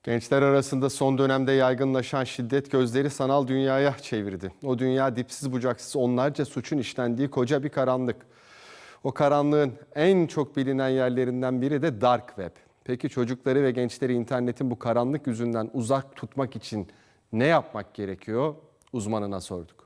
Gençler arasında son dönemde yaygınlaşan şiddet gözleri sanal dünyaya çevirdi. O dünya dipsiz bucaksız onlarca suçun işlendiği koca bir karanlık. O karanlığın en çok bilinen yerlerinden biri de Dark Web. Peki çocukları ve gençleri internetin bu karanlık yüzünden uzak tutmak için ne yapmak gerekiyor? Uzmanına sorduk.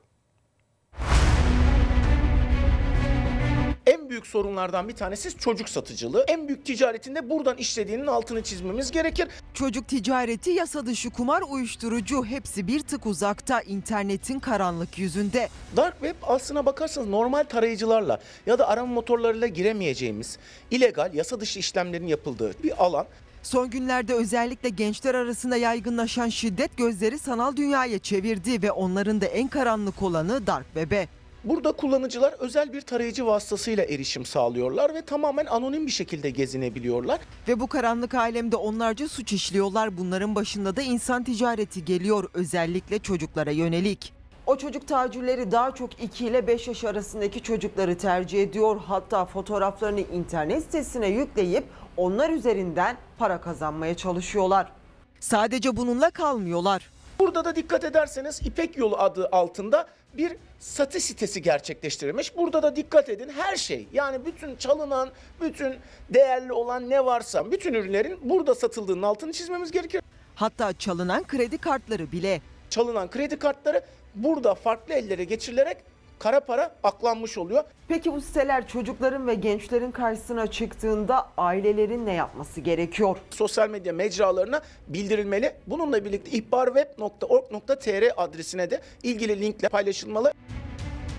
En büyük sorunlardan bir tanesi çocuk satıcılığı. En büyük ticaretinde buradan işlediğinin altını çizmemiz gerekir. Çocuk ticareti, yasa dışı kumar, uyuşturucu hepsi bir tık uzakta internetin karanlık yüzünde. Dark Web aslına bakarsanız normal tarayıcılarla ya da arama motorlarıyla giremeyeceğimiz illegal yasa dışı işlemlerin yapıldığı bir alan. Son günlerde özellikle gençler arasında yaygınlaşan şiddet gözleri sanal dünyaya çevirdi ve onların da en karanlık olanı Dark Web'e. Burada kullanıcılar özel bir tarayıcı vasıtasıyla erişim sağlıyorlar ve tamamen anonim bir şekilde gezinebiliyorlar. Ve bu karanlık alemde onlarca suç işliyorlar. Bunların başında da insan ticareti geliyor, özellikle çocuklara yönelik. O çocuk tacirleri daha çok 2 ile 5 yaş arasındaki çocukları tercih ediyor. Hatta fotoğraflarını internet sitesine yükleyip onlar üzerinden para kazanmaya çalışıyorlar. Sadece bununla kalmıyorlar. Burada da dikkat ederseniz İpek Yolu adı altında bir satış sitesi gerçekleştirilmiş. Burada da dikkat edin, her şey, yani bütün çalınan, bütün değerli olan ne varsa bütün ürünlerin burada satıldığının altını çizmemiz gerekir. Hatta çalınan kredi kartları bile. Çalınan kredi kartları burada farklı ellere geçirilerek kara para aklanmış oluyor. Peki bu siteler çocukların ve gençlerin karşısına çıktığında ailelerin ne yapması gerekiyor? Sosyal medya mecralarına bildirilmeli. Bununla birlikte ihbarweb.org.tr adresine de ilgili linkle paylaşılmalı.